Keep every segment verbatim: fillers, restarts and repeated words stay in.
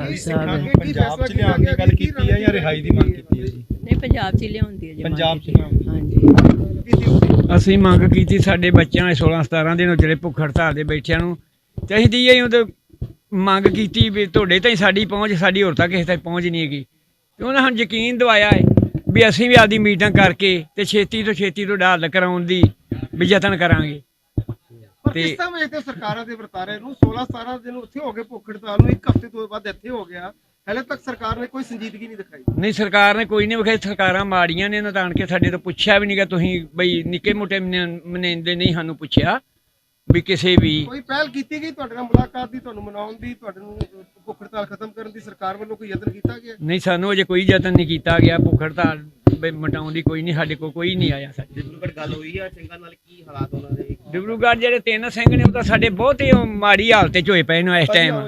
ਖਾਲਸਾ। ਪੰਜਾਬ ਚ ਲਿਆਉਣ ਦੀ ਗੱਲ ਕੀਤੀ ਹੈ ਜਾਂ ਰਿਹਾਈ ਦੀ ਮੰਗ ਕੀਤੀ ਹੈ ਜੀ? ਨਹੀਂ, ਪੰਜਾਬ 'ਚ ਹੀ ਲਿਆਉਂਦੀ ਹੈ ਜੀ। ਪੰਜਾਬ 'ਚ ਲਿਆਉਂਦੀ। ਹਾਂਜੀ। ਅਸੀਂ ਮੰਗ ਕੀਤੀ ਸਾਡੇ ਬੱਚਿਆਂ ਦੇ ਸੋਲਾਂ ਸਤਾਰਾਂ ਦਿਨ ਜਿਹੜੇ ਭੁੱਖ ਹੜਤਾਲ ਦੇ ਬੈਠਿਆਂ ਨੂੰ, ਤੇ ਅਸੀਂ ਦੀ ਉਹ ਮੰਗ ਕੀਤੀ ਵੀ ਤੁਹਾਡੇ ਤਾਈਂ ਸਾਡੀ ਪਹੁੰਚ, ਸਾਡੀ ਹੋਰ ਤੱਕ ਕਿਸੇ ਤੱਕ ਪਹੁੰਚ ਨਹੀਂ ਹੈਗੀ। ਤੇ ਉਹਨਾਂ ਸਾਨੂੰ ਯਕੀਨ ਦਵਾਇਆ ਹੈ ਵੀ ਅਸੀਂ ਵੀ ਆਪਦੀ ਮੀਟਿੰਗ ਕਰਕੇ ਤੇ ਛੇਤੀ ਤੋਂ ਛੇਤੀ ਤੋਂ ਹੱਲ ਕਰਾਉਣ ਦੀ ਵੀ ਯਤਨ ਕਰਾਂਗੇ। ਤੇ ਕਿਸ ਤਰ੍ਹਾਂ ਵੇਖਦੇ ਸਰਕਾਰਾਂ ਦੇ ਵਰਤਾਰੇ ਨੂੰ? ਸੋਲਾਂ ਸਤਾਰਾਂ ਦਿਨ ਉੱਥੇ ਹੋ ਗਏ ਭੁੱਖ ਹੜਤਾਲ ਨੂੰ, ਇੱਕ ਹਫ਼ਤੇ ਤੋਂ ਬਾਅਦ ਇੱਥੇ ਹੋ ਗਿਆ, ਹਲੇ ਤੱਕ ਸਰਕਾਰ ਨੇ ਕੋਈ ਸੰਜੀਦਗੀ ਨਹੀਂ ਦਿਖਾਈ। ਨਹੀਂ, ਸਰਕਾਰ ਨੇ ਕੋਈ ਨਹੀਂ ਵਿਖਾਈ। ਸਰਕਾਰਾਂ ਮਾੜੀਆਂ ਨੇ, ਇਹਨਾਂ ਤਾਂ ਆਣ ਕੇ ਸਾਡੇ ਤੋਂ ਪੁੱਛਿਆ ਵੀ ਨਹੀਂਗਾ। ਤੁਸੀਂ ਬਈ ਨਿੱਕੇ ਮੋਟੇ ਮਨੇਂਦੇ ਨਹੀਂ ਸਾਨੂੰ ਪੁੱਛਿਆ ਵੀ ਕਿਸੇ ਵੀ ਕੋਈ ਪਹਿਲ ਕੀਤੀ ਗਈ ਤੁਹਾਡੇ ਨਾਲ ਮੁਲਾਕਾਤ ਦੀ, ਤੁਹਾਨੂੰ ਮਨਾਉਣ ਦੀ, ਤੁਹਾਡੇ ਨੂੰ ਭੁੱਖ ਹੜਤਾਲ ਖਤਮ ਕਰਨ ਦੀ ਸਰਕਾਰ ਵੱਲੋਂ ਕੋਈ ਯਤਨ ਕੀਤਾ ਗਿਆ? ਨਹੀਂ, ਸਾਨੂੰ ਅਜੇ ਕੋਈ ਯਤਨ ਨਹੀਂ ਕੀਤਾ ਗਿਆ ਭੁੱਖ ਹੜਤਾਲ ਮਟਾਉਣ ਦੀ। ਕੋਈ ਨਹੀਂ, ਸਾਡੇ ਕੋਲ ਕੋਈ ਨਹੀਂ ਆਇਆ। ਸਾਡੇ ਡਿਬਰੂਗੜ੍ਹ ਗੱਲ ਹੋਈ ਆ ਸਿੰਘਾਂ ਨਾਲ, ਕੀ ਹਾਲਾਤ ਉਹਨਾਂ ਦੇ? ਡਿਬਰੂਗੜ੍ਹ ਜਿਹੜੇ ਤਿੰਨ ਸਿੰਘ ਨੇ ਉਹ ਤਾਂ ਸਾਡੇ ਬਹੁਤ ਹੀ ਮਾੜੀ ਹਾਲਤ 'ਚ ਹੋਏ ਪਏ ਨੇ ਇਸ ਟਾਈਮ,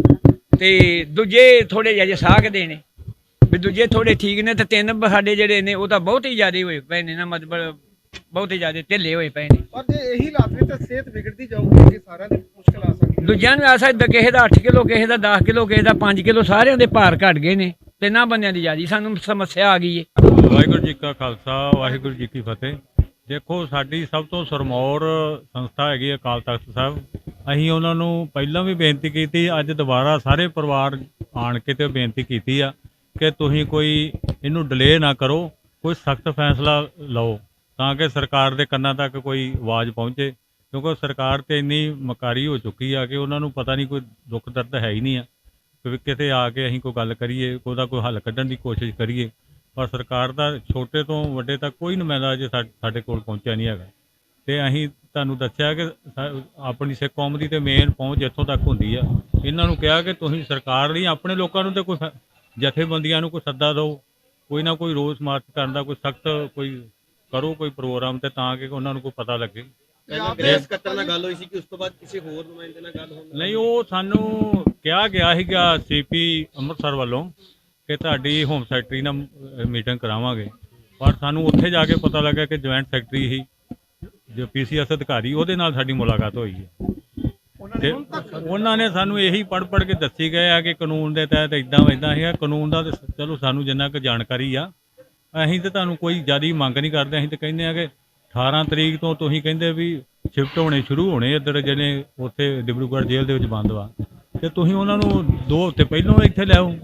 ਤੇ ਦੂਜੇ ਥੋੜੇ ਜਿਹੇ ਸਾਖਦੇ ਨੇ ਵੀ ਦੂਜੇ ਥੋੜੇ ਠੀਕ ਨੇ, ਤੇ ਤਿੰਨ ਸਾਡੇ ਜਿਹੜੇ ਨੇ ਉਹ ਤਾਂ ਬਹੁਤ ਹੀ ਜ਼ਿਆਦਾ ਹੋਏ ਪਏ ਨੇ ਨਾ, ਮਤਲਬ ਬਹੁਤ ਹੀ ਜ਼ਿਆਦਾ ਢਿੱਲੇ ਹੋਏ ਪਏ ਨੇ। ਪਰ ਜੇ ਇਹੀ ਹਾਲਾਤ ਵਿੱਚ ਤਾਂ ਸਿਹਤ ਵਿਗੜਦੀ ਜਾਊਗੀ ਕਿ ਸਾਰਿਆਂ ਦੀ ਮੁਸ਼ਕਲ ਆ ਸਕਦੀ ਹੈ। ਦੂਜਿਆਂ ਨੂੰ ਆ ਸਕਦਾ, ਕਿਸੇ ਦਾ ਅੱਠ ਕਿਲੋ, ਕਿਸੇ ਦਾ ਦਸ ਕਿਲੋ, ਕਿਸੇ ਦਾ ਪੰਜ ਕਿਲੋ, ਸਾਰਿਆਂ ਦੇ ਭਾਰ ਘਟ ਗਏ ਨੇ। ਤਿੰਨਾਂ ਬੰਦਿਆਂ ਦੀ ਜ਼ਿਆਦਾ ਸਾਨੂੰ ਸਮੱਸਿਆ ਆ ਗਈ ਹੈ। ਵਾਹਿਗੁਰੂ ਜੀ ਕਾ ਖਾਲਸਾ, ਵਾਹਿਗੁਰੂ ਜੀ ਕੀ ਫਤਿਹ। ਦੇਖੋ, ਸਾਡੀ ਸਭ ਤੋਂ ਸਰਮੌਰ ਸੰਸਥਾ ਹੈਗੀ ਅਕਾਲ ਤਖਤ ਸਾਹਿਬ। ਅਸੀਂ ਉਹਨਾਂ ਨੂੰ ਪਹਿਲਾਂ ਵੀ ਬੇਨਤੀ ਕੀਤੀ, ਅੱਜ ਦੁਬਾਰਾ ਸਾਰੇ ਪਰਿਵਾਰ ਆਣ ਕੇ ਤੇ ਬੇਨਤੀ ਕੀਤੀ ਆ ਕਿ ਤੁਸੀਂ ਕੋਈ ਇਹਨੂੰ ਡਿਲੇ ਨਾ ਕਰੋ, ਕੋਈ ਸਖਤ ਫੈਸਲਾ ਲਓ ਤਾਂ ਕਿ ਸਰਕਾਰ ਦੇ ਕੰਨਾਂ ਤੱਕ ਕੋਈ ਆਵਾਜ਼ ਪਹੁੰਚੇ, ਕਿਉਂਕਿ ਸਰਕਾਰ ਤੇ ਇੰਨੀ ਮਕਾਰੀ ਹੋ ਚੁੱਕੀ ਆ ਕਿ ਉਹਨਾਂ ਨੂੰ ਪਤਾ ਨਹੀਂ, ਕੋਈ ਦੁੱਖ ਦਰਦ ਹੈ ਹੀ ਨਹੀਂ ਆ ਕਿ ਕਿਤੇ ਆ ਕੇ ਅਸੀਂ ਕੋਈ ਗੱਲ ਕਰੀਏ, ਉਹਦਾ ਕੋਈ ਹੱਲ ਕੱਢਣ ਦੀ ਕੋਸ਼ਿਸ਼ ਕਰੀਏ। ਪਰ ਸਰਕਾਰ ਦਾ ਛੋਟੇ ਤੋਂ ਵੱਡੇ ਤੱਕ ਕੋਈ ਨੁਮਾਇੰਦਾ ਅਜੇ ਸਾਡੇ ਕੋਲ ਪਹੁੰਚਿਆ ਨਹੀਂ ਹੈਗਾ। ਅਤੇ ਅਸੀਂ ਤੁਹਾਨੂੰ ਦੱਸਿਆ ਕਿ ਆਪਣੀ ਸਿੱਖ ਕੌਮ ਦੀ ਤਾਂ ਮੇਨ ਪਹੁੰਚ ਇੱਥੋਂ ਤੱਕ ਹੁੰਦੀ ਆ। ਇਹਨਾਂ ਨੂੰ ਕਿਹਾ ਕਿ ਤੁਸੀਂ ਸਰਕਾਰ ਲਈ ਆਪਣੇ ਲੋਕਾਂ ਨੂੰ ਤਾਂ ਕੋਈ ਜਥੇਬੰਦੀਆਂ ਨੂੰ ਕੋਈ ਸੱਦਾ ਦਿਓ, ਕੋਈ ਨਾ ਕੋਈ ਰੋਸ ਮਾਰਚ ਕਰਨ ਦਾ ਕੋਈ ਸਖਤ ਕੋਈ ਕਰੋ ਕੋਈ ਪ੍ਰੋਗਰਾਮ, ਤੇ ਤਾਂ ਕਿ ਉਹਨਾਂ ਨੂੰ ਕੋਈ ਪਤਾ ਲੱਗੇ। ਪਹਿਲਾਂ ਗ੍ਰਹਿ ਸਕੱਤਰ ਨਾਲ ਗੱਲ ਹੋਈ ਸੀ ਕਿ ਉਸ ਤੋਂ ਬਾਅਦ ਕਿਸੇ ਹੋਰ ਨੁਮਾਇੰਦੇ ਨਾਲ ਗੱਲ ਹੋਣੀ? ਨਹੀਂ, ਉਹ ਸਾਨੂੰ ਕਿਹਾ ਗਿਆ ਸੀਗਾ ਸੀ ਪੀ ਅੰਮ੍ਰਿਤਸਰ ਵੱਲੋਂ ਕਿ ਤੁਹਾਡੀ ਹੋਮ ਸੈਕਟਰੀ ਨਾਲ ਮੀਟਿੰਗ ਕਰਾਵਾਂਗੇ, ਪਰ ਸਾਨੂੰ ਉੱਥੇ ਜਾ ਕੇ ਪਤਾ ਲੱਗਾ ਕਿ ਜੁਆਇੰਟ ਸੈਕਟਰੀ ਹੀ ਜੋ ਪੀ ਸੀ ਐਸ ਅਧਿਕਾਰੀ, ਉਹਦੇ ਨਾਲ ਸਾਡੀ ਮੁਲਾਕਾਤ ਹੋਈ ਹੈ। ਤੇ ਉਹਨਾਂ ਨੇ ਸਾਨੂੰ ਇਹੀ ਪੜ੍ਹ ਪੜ੍ਹ ਕੇ ਦੱਸੀ ਗਏ ਆ ਕਿ ਕਾਨੂੰਨ ਦੇ ਤਹਿਤ ਇੱਦਾਂ ਇੱਦਾਂ ਹੈਗਾ। ਕਾਨੂੰਨ ਦਾ ਤਾਂ ਚਲੋ ਸਾਨੂੰ ਜਿੰਨਾ ਕੁ ਜਾਣਕਾਰੀ ਆ, ਅਸੀਂ ਤਾਂ ਤੁਹਾਨੂੰ ਕੋਈ ਜ਼ਿਆਦਾ ਮੰਗ ਨਹੀਂ ਕਰਦੇ। ਅਸੀਂ ਤਾਂ ਕਹਿੰਦੇ ਆ ਕਿ ਅਠਾਰਾਂ ਤਰੀਕ ਤੋਂ ਤੁਸੀਂ ਕਹਿੰਦੇ ਵੀ ਸ਼ਿਫਟ ਹੋਣੇ ਸ਼ੁਰੂ ਹੋਣੇ ਇੱਧਰ, ਜਿਹੜੇ ਉੱਥੇ ਡਿਬਰੂਗੜ੍ਹ ਜੇਲ੍ਹ ਦੇ ਵਿੱਚ ਬੰਦ ਵਾ, ਅਤੇ ਤੁਸੀਂ ਉਹਨਾਂ ਨੂੰ ਦੋ ਹਫ਼ਤੇ ਪਹਿਲਾਂ ਇੱਥੇ ਲਿਆਓ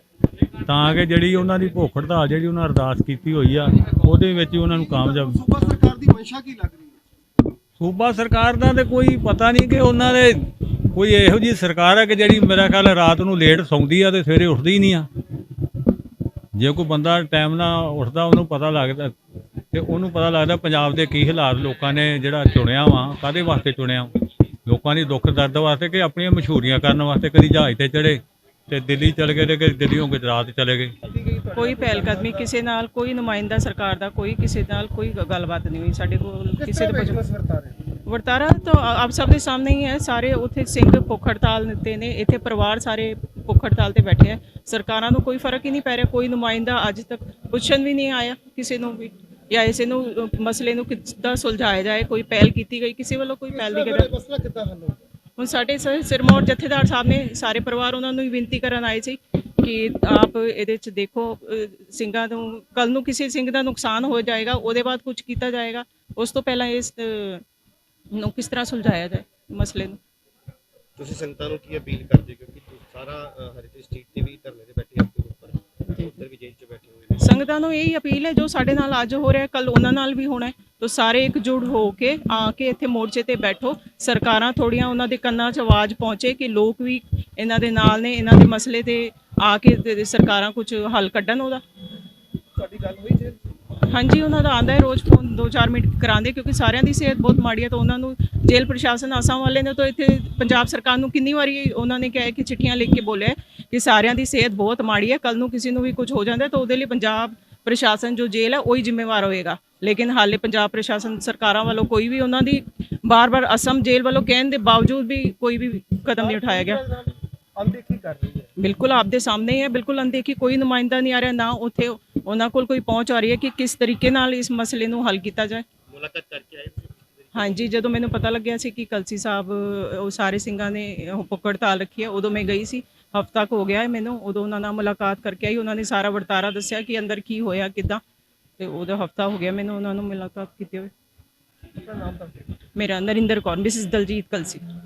ਤਾਂ ਕਿ ਜਿਹੜੀ ਉਹਨਾਂ ਦੀ ਭੁੱਖ ਹੜਤਾਲ ਜਿਹੜੀ ਉਹਨਾਂ ਅਰਦਾਸ ਕੀਤੀ ਹੋਈ ਆ ਉਹਦੇ ਵਿੱਚ ਉਹਨਾਂ ਨੂੰ ਕਾਮਯਾਬ। ਸੂਬਾ ਸਰਕਾਰ ਦੀ ਮਨਸ਼ਾ ਕੀ ਲੱਗ ਰਹੀ ਹੈ? ਸੂਬਾ ਸਰਕਾਰ ਦਾ ਤਾਂ ਕੋਈ ਪਤਾ ਨਹੀਂ ਕਿ ਉਹਨਾਂ ਦੇ ਕੋਈ ਇਹੋ ਜਿਹੀ ਸਰਕਾਰ ਹੈ ਕਿ ਜਿਹੜੀ ਮੇਰਾ ਖਿਆਲ ਰਾਤ ਨੂੰ ਲੇਟ ਸੌਂਦੀ ਆ ਅਤੇ ਸਵੇਰੇ ਉੱਠਦੀ ਹੀ ਨਹੀਂ ਆ। ਜੇ ਕੋਈ ਬੰਦਾ ਟਾਈਮ ਨਾਲ ਉੱਠਦਾ ਉਹਨੂੰ ਪਤਾ ਲੱਗਦਾ, ਅਤੇ ਉਹਨੂੰ ਪਤਾ ਲੱਗਦਾ ਪੰਜਾਬ ਦੇ ਕੀ ਹਾਲਾਤ ਲੋਕਾਂ ਨੇ ਜਿਹੜਾ ਚੁਣਿਆ ਵਾ, ਕਾਹਦੇ ਵਾਸਤੇ ਚੁਣਿਆ, ਲੋਕਾਂ ਦੀ ਦੁੱਖ ਦਰਦ ਵਾਸਤੇ ਕਿ ਆਪਣੀਆਂ ਮਸ਼ਹੂਰੀਆਂ ਕਰਨ ਵਾਸਤੇ। ਕਦੀ ਜਹਾਜ਼ 'ਤੇ ਚੜ੍ਹੇ ਤੇ ਦਿੱਲੀ ਚਲੇ ਗਏ, ਤੇ ਦਿੱਲੀੋਂ ਗੁਜਰਾਤ ਚਲੇ ਗਏ। ਕੋਈ ਪਹਿਲਕਦਮੀ ਕਿਸੇ ਨਾਲ, ਕੋਈ ਨੁਮਾਇੰਦਾ ਸਰਕਾਰ ਦਾ ਕੋਈ ਕਿਸੇ ਨਾਲ ਕੋਈ ਗੱਲਬਾਤ ਨਹੀਂ ਹੋਈ ਸਾਡੇ ਕੋਲ ਕਿਸੇ ਦੇ। ਵਰਤਾਰਾ ਤਾਂ ਆਪ ਸਭ ਦੇ ਸਾਹਮਣੇ ਹੀ ਹੈ। ਸਾਰੇ ਉੱਥੇ ਸਿੰਘ ਭੁੱਖ ਹੜਤਾਲ ਤੇ ਨੇ, ਇੱਥੇ ਪਰਿਵਾਰ ਸਾਰੇ ਭੁੱਖ ਹੜਤਾਲ ਤੇ ਬੈਠੇ ਹੈ। ਸਰਕਾਰਾਂ ਨੂੰ ਕੋਈ ਫਰਕ ਹੀ ਨਹੀਂ ਪੈ ਰਿਹਾ। ਕੋਈ ਨੁਮਾਇੰਦਾ ਅੱਜ ਤੱਕ ਪੁੱਛਣ ਵੀ ਨਹੀਂ ਆਇਆ ਕਿਸੇ ਨੂੰ ਵੀ, ਜਾਂ ਇਸੇ ਨੂੰ ਮਸਲੇ ਨੂੰ ਕਿੱਦਾਂ ਸੁਲਝਾਇਆ ਜਾਏ, ਕੋਈ ਪਹਿਲ ਕੀਤੀ ਗਈ ਕਿਸੇ ਵੱਲੋਂ, ਕੋਈ ਪਹਿਲ ਨਹੀਂ ਕੀਤੀ। ਮਸਲਾ ਕਿੱਦਾਂ ਹੱਲ ਹੋਊ? ਹੁਣ ਸਾਡੇ ਸਿਰਮੌਰ ਜਥੇਦਾਰ ਸਾਹਿਬ ਨੇ ਸਾਰੇ ਪਰਿਵਾਰ ਉਹਨਾਂ ਨੂੰ ਹੀ ਬੇਨਤੀ ਕਰਨ ਆਏ ਸੀ ਕਿ ਆਪ ਇਹਦੇ 'ਚ ਦੇਖੋ, ਸਿੰਘਾਂ ਨੂੰ ਕੱਲ੍ਹ ਨੂੰ ਕਿਸੇ ਸਿੰਘ ਦਾ ਨੁਕਸਾਨ ਹੋ ਜਾਏਗਾ, ਉਹਦੇ ਬਾਅਦ ਕੁਝ ਕੀਤਾ ਜਾਏਗਾ, ਉਸ ਤੋਂ ਪਹਿਲਾਂ ਇਸ ਨੂੰ ਕਿਸ ਤਰ੍ਹਾਂ ਸੁਲਝਾਇਆ ਜਾਏ ਮਸਲੇ ਨੂੰ। ਤੁਸੀਂ ਸੰਗਤਾਂ ਨੂੰ ਕੀ ਅਪੀਲ ਕਰਦੇ, ਕਿਉਂਕਿ ਸਾਰਾ ਹਰੀਟੇਜ ਸਟਰੀਟ ਤੇ ਵੀ ਧਰਨੇ ਤੇ ਬੈਠੇ ਆ, ਉੱਧਰ ਵੀ ਜੇਲ੍ਹ 'ਚ ਬੈਠੇ ਹੋਏ ਨੇ। ਸੰਗਤਾਂ ਨੂੰ ਇਹੀ ਅਪੀਲ ਹੈ, ਜੋ ਸਾਡੇ ਨਾਲ ਅੱਜ ਹੋ ਰਿਹਾ ਕੱਲ੍ਹ ਉਹਨਾਂ ਨਾਲ ਵੀ ਹੋਣਾ ਹੈ, ਤਾਂ ਸਾਰੇ ਇਕਜੁੱਟ ਹੋ ਕੇ ਆ ਕੇ ਇੱਥੇ ਮੋਰਚੇ ਤੇ ਬੈਠੋ। ਸਰਕਾਰਾਂ ਥੋੜ੍ਹੀਆਂ ਉਹਨਾਂ ਦੇ ਕੰਨਾਂ 'ਚ ਆਵਾਜ਼ ਪਹੁੰਚੇ ਕਿ ਲੋਕ ਵੀ ਇਹਨਾਂ ਦੇ ਨਾਲ ਨੇ, ਇਹਨਾਂ ਦੇ ਮਸਲੇ ਤੇ ਆ ਕੇ ਸਰਕਾਰਾਂ ਕੁਝ ਹੱਲ ਕੱਢਣ ਉਹਦਾ। ਤੁਹਾਡੀ ਗੱਲ ਹੋਈ ਜੇ? ਹਾਂਜੀ, ਉਹਨਾਂ ਦਾ ਆਉਂਦਾ ਹੈ ਰੋਜ਼ ਫੋਨ, ਦੋ ਚਾਰ ਮਿੰਟ ਕਰਾਉਂਦੇ, ਕਿਉਂਕਿ ਸਾਰਿਆਂ ਦੀ ਸਿਹਤ ਬਹੁਤ ਮਾੜੀ ਹੈ। ਤਾਂ ਉਹਨਾਂ ਨੂੰ ਜੇਲ੍ਹ ਪ੍ਰਸ਼ਾਸਨ ਆਸਾਮ ਵਾਲੇ ਨੇ ਤਾਂ ਇੱਥੇ ਪੰਜਾਬ ਸਰਕਾਰ ਨੂੰ ਕਿੰਨੀ ਵਾਰੀ ਉਹਨਾਂ ਨੇ ਕਿਹਾ ਕਿ ਚਿੱਠੀਆਂ ਲਿਖ ਕੇ ਬੋਲਿਆ ਕਿ ਸਾਰਿਆਂ ਦੀ ਸਿਹਤ ਬਹੁਤ ਮਾੜੀ ਹੈ, ਕੱਲ੍ਹ ਨੂੰ ਕਿਸੇ ਨੂੰ ਵੀ ਕੁਝ ਹੋ ਜਾਂਦਾ ਤਾਂ ਉਹਦੇ ਲਈ ਪੰਜਾਬ ਪ੍ਰਸ਼ਾਸਨ ਜੋ ਜੇਲ੍ਹ ਹੈ ਉਹੀ ਜ਼ਿੰਮੇਵਾਰ ਹੋਏਗਾ। ਲੇਕਿਨ ਹਾਲੇ ਪੰਜਾਬ ਪ੍ਰਸ਼ਾਸਨ ਸਰਕਾਰਾਂ ਵੱਲੋਂ ਕੋਈ ਵੀ ਉਹਨਾਂ ਦੀ ਬਾਰ-ਬਾਰ ਅਸਮ ਜੇਲ੍ਹ ਵੱਲੋਂ ਕਹਿਣ ਦੇ ਬਾਵਜੂਦ ਵੀ ਕੋਈ ਵੀ ਕਦਮ ਨਹੀਂ ਉਠਾਇਆ ਗਿਆ। ਅਣਦੇਖੀ ਕਰ ਰਹੀ ਹੈ। ਬਿਲਕੁਲ ਆਪਦੇ ਸਾਹਮਣੇ ਹੀ ਹੈ, ਬਿਲਕੁਲ ਅਣਦੇਖੀ। ਕੋਈ ਨੁਮਾਇੰਦਾ ਨਹੀਂ ਆ ਰਿਹਾ, ਨਾ ਉੱਥੇ ਉਹਨਾਂ ਕੋਲ ਕੋਈ ਪਹੁੰਚ ਆ ਰਹੀ ਹੈ ਕਿ ਕਿਸ ਤਰੀਕੇ ਨਾਲ ਇਸ ਮਸਲੇ ਨੂੰ ਹੱਲ ਕੀਤਾ ਜਾਏ। ਮੁਲਾਕਾਤ ਕਰਕੇ ਆਏ? ਹਾਂਜੀ, ਜਦੋਂ ਮੈਨੂੰ ਪਤਾ ਲੱਗਿਆ ਸੀ ਕਿ ਕਲਸੀ ਸਾਹਿਬ ਉਹ ਸਾਰੇ ਸਿੰਘਾਂ ਨੇ ਭੁੱਖ ਹੜਤਾਲ ਰੱਖੀ ਹੈ, ਉਦੋਂ ਮੈਂ ਗਈ ਸੀ। ਹਫ਼ਤਾ ਕੁ ਹੋ ਗਿਆ ਹੈ ਮੈਨੂੰ। ਉਦੋਂ ਉਹਨਾਂ ਨਾਲ ਮੁਲਾਕਾਤ ਕਰਕੇ ਆਈ, ਉਹਨਾਂ ਨੇ ਸਾਰਾ ਵਰਤਾਰਾ ਦੱਸਿਆ ਕਿ ਅੰਦਰ ਕੀ ਹੋਇਆ ਕਿੱਦਾਂ, ਤੇ ਉਹਦਾ ਹਫ਼ਤਾ ਹੋ ਗਿਆ ਮੈਨੂੰ ਉਹਨਾਂ ਨੂੰ ਮੁਲਾਕਾਤ ਕੀਤੇ ਹੋਏ। ਮੇਰਾ ਨਰਿੰਦਰ ਕੌਰ, ਮਿਸਿਸ ਦਲਜੀਤ ਕਲਸੀ।